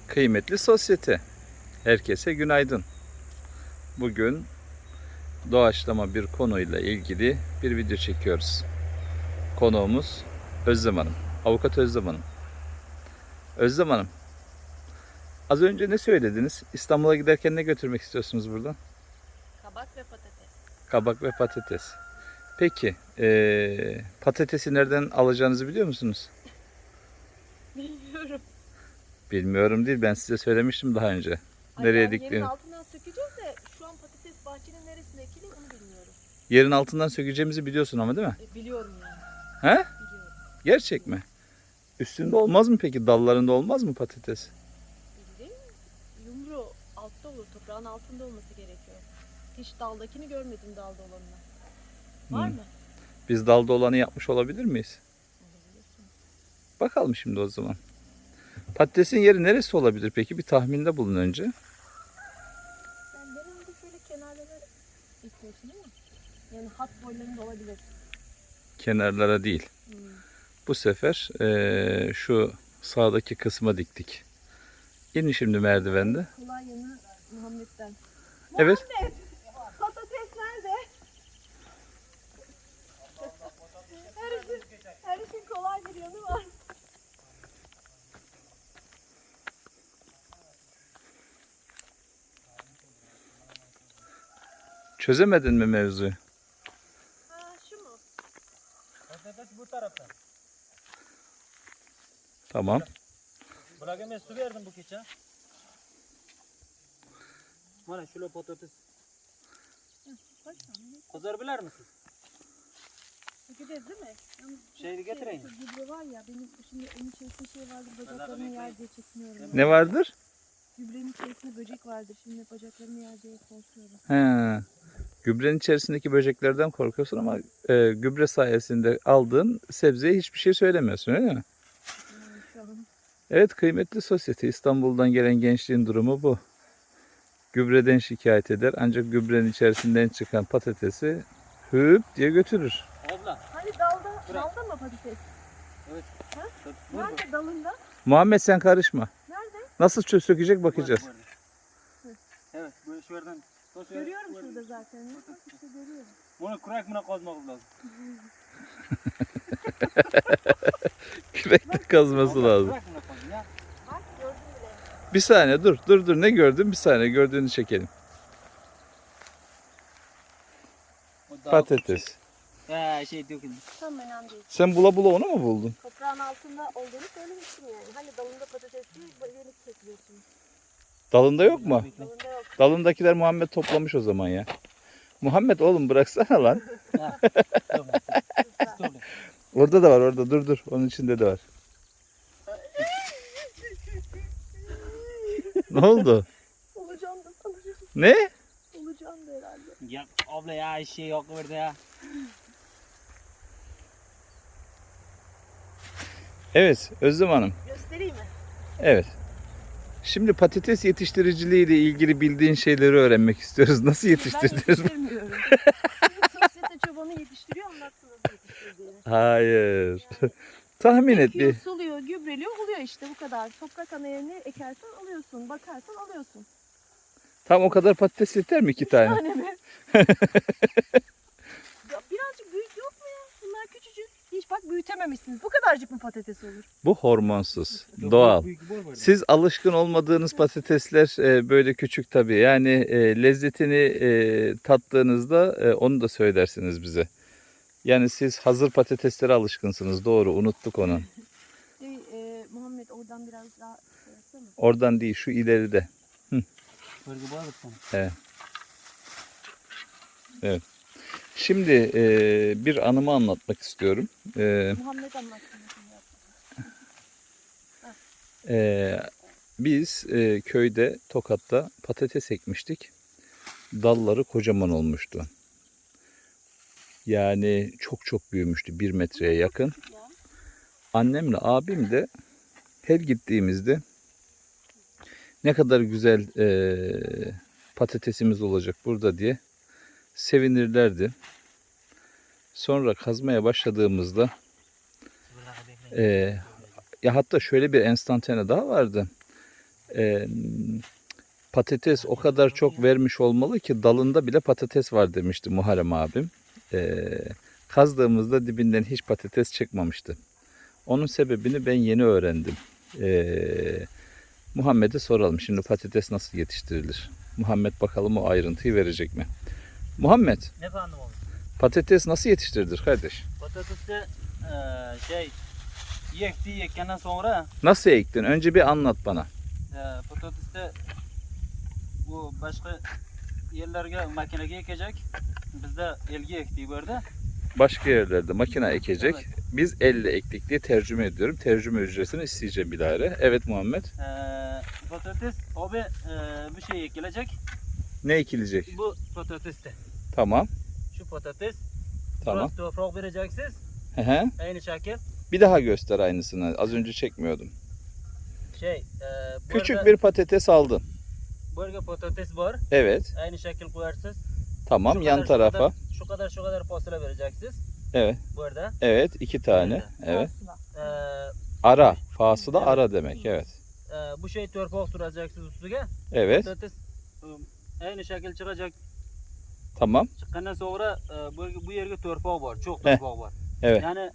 Kıymetli sosyete, herkese günaydın. Bugün doğaçlama bir konuyla ilgili bir video çekiyoruz. Konuğumuz Özlem Hanım, Avukat Özlem Hanım. Özlem Hanım, az önce ne söylediniz? İstanbul'a giderken ne götürmek istiyorsunuz buradan? Kabak ve patates. Kabak ve patates. Peki, patatesi nereden alacağınızı biliyor musunuz? Bilmiyorum. Bilmiyorum değil, ben size söylemiştim daha önce. Ay, Nereye yerin diktiğini. altından sökeceğiz de şu an patates bahçenin neresinde ekili onu bilmiyorum. Yerin altından sökeceğimizi biliyorsun ama değil mi? Biliyorum yani. He? Biliyorum. Gerçek mi? Üstünde olmaz mı peki? Dallarında olmaz mı patates? Bildiğin yumru altta olur. Toprağın altında olması gerekiyor. Hiç daldakini görmedim dalda olanını. Var mı? Biz dalda olanı yapmış olabilir miyiz? Olabilirsin. Bakalım şimdi o zaman. Patatesin yeri neresi olabilir peki? Bir tahminde bulun önce. Yani genelde şöyle kenarlara istiyorsun ama yani hat boylarında olabilir. Kenarlara değil. Bu sefer şu sağdaki kısma diktik. İnin şimdi merdivende. Kolay yanı Muhammed'den. Evet. Muhammed! Patates nerede? her işin kolay bir yanı var. Çözemedin mi mevzuyu? Ha şu mu? Patates bu taraftan. Tamam. Bırakayım su verdim bu keçe. Bana şöyle patates. Kızar bilir misiniz? Sökeceğiz değil mi? Yalnız Şeyi getireyim. Şu gübre var ya benim şimdi onun içerisinde şey vardı bacaklarımı yer diye çekiniyorum. ya. Ne vardır? Gübrenin içerisinde böcek vardır şimdi bacaklarımı yer diye korkuyorum. He. Gübrenin içerisindeki böceklerden korkuyorsun ama gübre sayesinde aldığın sebzeye hiçbir şey söylemiyorsun öyle mi? Yani şu an Evet, kıymetli sosyete, İstanbul'dan gelen gençliğin durumu bu. Gübreden şikayet eder ancak gübrenin içerisinden çıkan patatesi hüp diye götürür. Abla. hani dalda mı patates? Evet. Ha? Burada. Nerede dalında? Muhammed sen karışma. Nerede? Nasıl sökecek bakacağız. Evet, böyle şuradan. Görüyorum şurada zaten. Bak işte görüyorum. Bunu kurak mına kazmak lazım. Kürekle kazması lazım. Kurak mına kazın ya. Bak gördüm bile. Bir saniye dur ne gördün, bir saniye gördüğünü çekelim. O daha Patates. küçük. Ya şey döküldü. Tam önemli değil. Sen bula bula onu mu buldun? Toprağın altında olduğunu söylemiştim yani. Hani dalında patates değil, yenik çekiyorsun. Dalında yok mu? Dalında yok. Dalındakiler Muhammed toplamış o zaman ya. Muhammed oğlum bıraksana lan. Ha. Tamam. Tamam. Orada da var, orada dur. Onun içinde de var. Ne oldu? Olacağım da sanırım. Ne? Olacağım da herhalde. Ya abla ya şey yok orada ya. Evet Özlem Hanım. Göstereyim mi? Evet. Şimdi patates yetiştiriciliği ile ilgili bildiğin şeyleri öğrenmek istiyoruz. Nasıl Ben yetiştirdiniz? yetiştirmiyorum. Sosyete çobanı yetiştiriyor, anlatsın nasıl yetiştirdiğini. Hayır. Tahmin et Ekiyor, bir. suluyor, gübreliyor, oluyor işte bu kadar. Toprak anayını ekersen alıyorsun, bakarsan alıyorsun. Tam o kadar patates yeter mi 2 tane? Yani mi? Ya birazcık büyük yok mu ya? Bunlar küçücük. Hiç bak büyütememişsiniz. Bu kadarcık mı patates olur? Bu hormonsuz, doğal. Siz alışkın olmadığınız patatesler böyle küçük tabii. Yani lezzetini tattığınızda onu da söylersiniz bize. Yani siz hazır patateslere alışkınsınız. Doğru, unuttuk onu. Muhammed oradan biraz daha şey yapsana. Oradan değil, şu ileride. Bölge bağlı sana. Evet. Şimdi bir anımı anlatmak istiyorum. Muhammed anlatsın. Biz köyde Tokat'ta patates ekmiştik. Dalları kocaman olmuştu. Yani çok büyümüştü. 1 metreye yakın. Annemle abim de her gittiğimizde ne kadar güzel patatesimiz olacak burada diye sevinirlerdi. Sonra kazmaya başladığımızda ya hatta şöyle bir enstantane daha vardı. Patates o kadar çok vermiş olmalı ki dalında bile patates var demişti Muharrem abim. Kazdığımızda dibinden hiç patates çıkmamıştı. Onun sebebini ben yeni öğrendim. Muhammed'e soralım. Şimdi patates nasıl yetiştirilir? Muhammed bakalım o ayrıntıyı verecek mi? Muhammed, Efendim oğlum. patates nasıl yetiştirilir kardeş? Patatesde yekkenden sonra Nasıl ektin? Önce bir anlat bana. patatesde bu başka yerlerge makineye ekecek. Bizde elgi ektiği böyle. Başka yerlerde makine ekecek. Evet. Biz elle ektik diye tercüme ediyorum. Tercüme ücretini isteyeceğim bilahare. Evet Muhammed. Patates abi bir şey ekilecek. Ne ekilecek? Bu patateste. Tamam. Şu patates. Tamam. Biraz toprak vereceksiniz. Hı hı. Aynı şekil. Bir daha göster aynısını. Az önce çekmiyordum. Küçük bir patates aldın. Böyle patates var. Evet. Aynı şekil koyarsınız. Tamam. Şu Yan kadar, tarafa. Şu kadar fasulye vereceksiniz. Evet. Burada. Evet. 2 tane. Evet. Aslında. Ara. Fasıla Evet. ara demek. Evet. Bu şey toprak süreceksiniz üstüne. Evet. Patates aynı şekil çıkacak. Tamam. Çıktıktan sonra bu yerge torpak var. Çok Heh. torpak var. Evet. Yani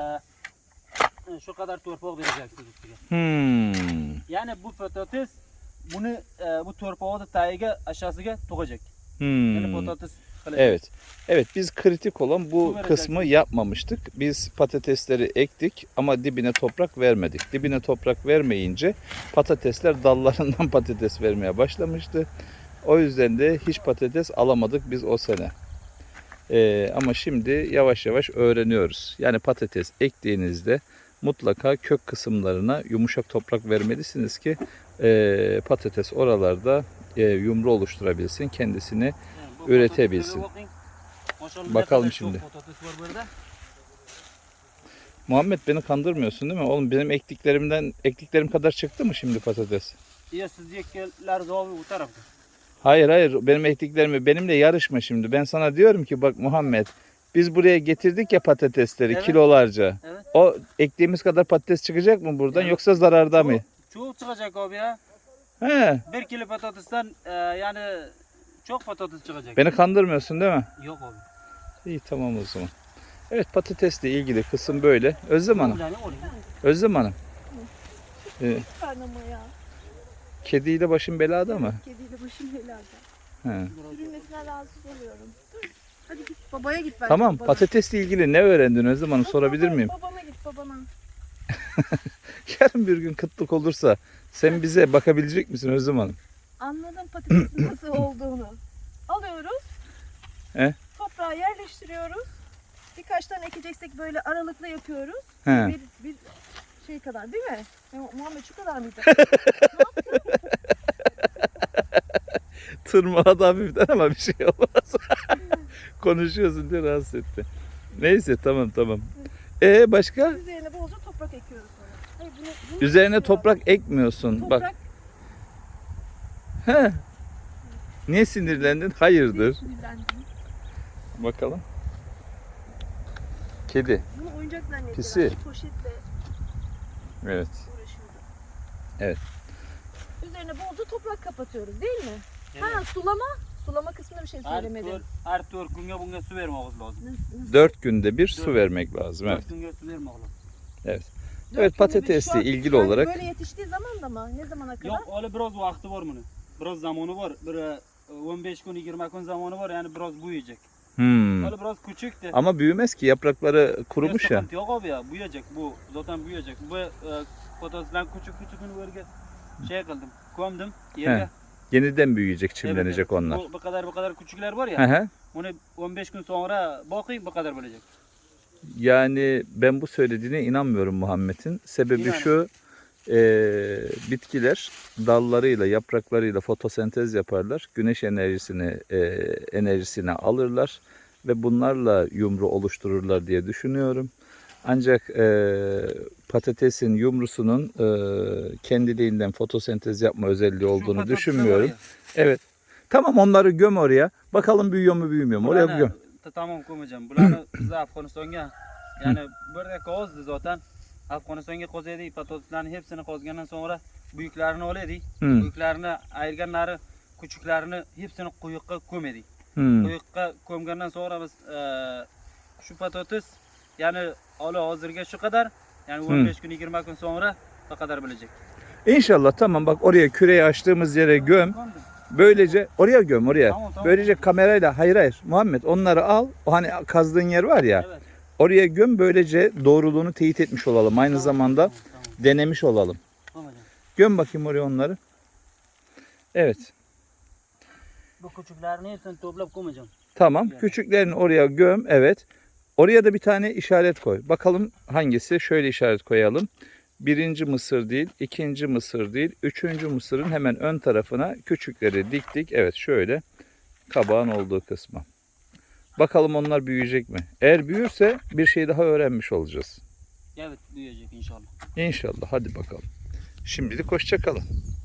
şu kadar torpak vereceksiniz üstüne. Yani bu patates bunu bu torpağı da tayiga aşağısına tokacak. Yani patates kalacak. Evet. Evet, biz kritik olan bu Su kısmı vereceksin. yapmamıştık. Biz patatesleri ektik ama dibine toprak vermedik. Dibine toprak vermeyince patatesler dallarından patates vermeye başlamıştı. O yüzden de hiç patates alamadık biz o sene. Ama şimdi yavaş yavaş öğreniyoruz. Yani patates ektiğinizde mutlaka kök kısımlarına yumuşak toprak vermelisiniz ki patates oralarda yumru oluşturabilsin, kendisini Yani bu üretebilsin. patateslere bakın. Maşallah ne Bakalım kadar şimdi. çok patates var burada. Muhammed, beni kandırmıyorsun değil mi? Oğlum benim ektiklerim kadar çıktı mı şimdi patates? Ya siz yekler zavi bu tarafta. Hayır, benim ektiklerimi benimle yarışma şimdi. Ben sana diyorum ki bak Muhammed, biz buraya getirdik ya patatesleri Evet. kilolarca. Evet. O ektiğimiz kadar patates çıkacak mı buradan Evet. yoksa zararda mı? Çok çıkacak abi ya. He, 1 kilo patatesten yani çok patates çıkacak. beni kandırmıyorsun değil mi? Yok abi. İyi, tamam o zaman. Evet, patatesle ilgili kısım böyle. Özlem Hanım, Yani oraya. Özlem Hanım. Lütfen ama ya. Kediyle başın belada mı? Kediyle başım helada. He. Sürülmesinden rahatsız oluyorum. Dur. Hadi git babaya git bence. Tamam, babana. patatesle ilgili ne öğrendin Özlem Hanım, sorabilir miyim? Babana git babana. Yarın bir gün kıtlık olursa sen bize bakabilecek misin Özlem Hanım? Anladım patatesin nasıl olduğunu. Alıyoruz. He? Toprağa yerleştiriyoruz. Birkaç tane ekeceksek böyle aralıklı yapıyoruz. He. Bir şey kadar değil mi? Muhammed şu kadar mıydı? Tırmaladı hafiften ama bir şey olmaz. Konuşuyorsun diye rahatsız etti. Neyse, tamam. Başka? Üzerine bolca toprak ekiyoruz sonra. Hayır, bunu Üzerine ekiyor. toprak ekmiyorsun. Toprak Bak. He. Niye sinirlendin? Hayırdır? sinirlendim. Bakalım. Kedi. Bunu oyuncak zannettiler. Pisi. Poşetle Evet. uğraşıyordu. Evet. Üzerine bolca toprak kapatıyoruz değil mi? Evet. Ha, sulama. Sulama kısmında bir şey söylemedim. Her tur günge bunga su vermemiz lazım. Nasıl? 4 günde bir su Dört. vermek lazım. Evet. 4 günge su vermemiz lazım. Evet, Dört günde bir- patatesle şu an- ilgili yani olarak böyle yetiştiği zaman da mı? Ne zamana kadar? Yok öyle biraz vakti var bunun. Biraz zamanı var. Bir 15 gün 20 gün zamanı var yani biraz büyüyecek. Öyle biraz küçüktü. ama büyümez ki, yaprakları kurumuş ya. Sıkıntı yok abi ya büyüyecek bu zaten büyüyecek. Bu patatesler küçük böyle şey kıldım. Koydum yerine. Yeniden büyüyecek, çimlenecek Evet. onlar. Bu kadar küçükler var Hı ya. hı. Onu 15 gün sonra bakayım bu kadar bölecek. Yani ben bu söylediğine inanmıyorum Muhammed'in. Sebebi İnanın. şu, bitkiler dallarıyla, yapraklarıyla fotosentez yaparlar. Güneş enerjisini alırlar ve bunlarla yumru oluştururlar diye düşünüyorum. Ancak patatesin yumrusunun kendiliğinden fotosentez yapma özelliği Şu olduğunu patatesler düşünmüyorum. var ya, Evet. Tamam, onları göm oraya. Bakalım büyüyor mu büyümüyor mu? Oraya bularını- göm. Tamam koymayacağım. Bularını biz Afganistan'a yani burada kozdu zaten. Afganistan'a kozaydı patateslerin hepsini kozgandan sonra büyüklerini oluyordu. Hmm. Büyüklerini ayırganları, küçüklerini hepsini kuyukka kömedi. Hmm. Kuyukka kömgenden sonra biz şu patates yani hazırga şu kadar yani 15 gün 20 gün sonra o kadar bilecek. İnşallah tamam bak oraya küreyi açtığımız yere göm. Böylece oraya göm oraya. Tamam. Böylece kamerayla hayır Muhammed onları al. O hani kazdığın yer var ya. Evet. Oraya göm böylece doğruluğunu teyit etmiş olalım. Aynı zamanda Tamam. denemiş olalım. Tamam hocam. Göm bakayım oraya onları. Evet. Bu küçüklerini hepsini toplayıp koymayacağım. Tamam. Yani. Küçüklerini oraya göm. Evet. Oraya da bir tane işaret koy. Bakalım hangisi? Şöyle işaret koyalım. Birinci mısır değil, ikinci mısır değil, üçüncü mısırın hemen ön tarafına küçükleri diktik. Evet şöyle kabağın olduğu kısmı. Bakalım onlar büyüyecek mi? Eğer büyürse bir şey daha öğrenmiş olacağız. Evet büyüyecek inşallah. İnşallah. Hadi bakalım. Şimdilik hoşça kalın.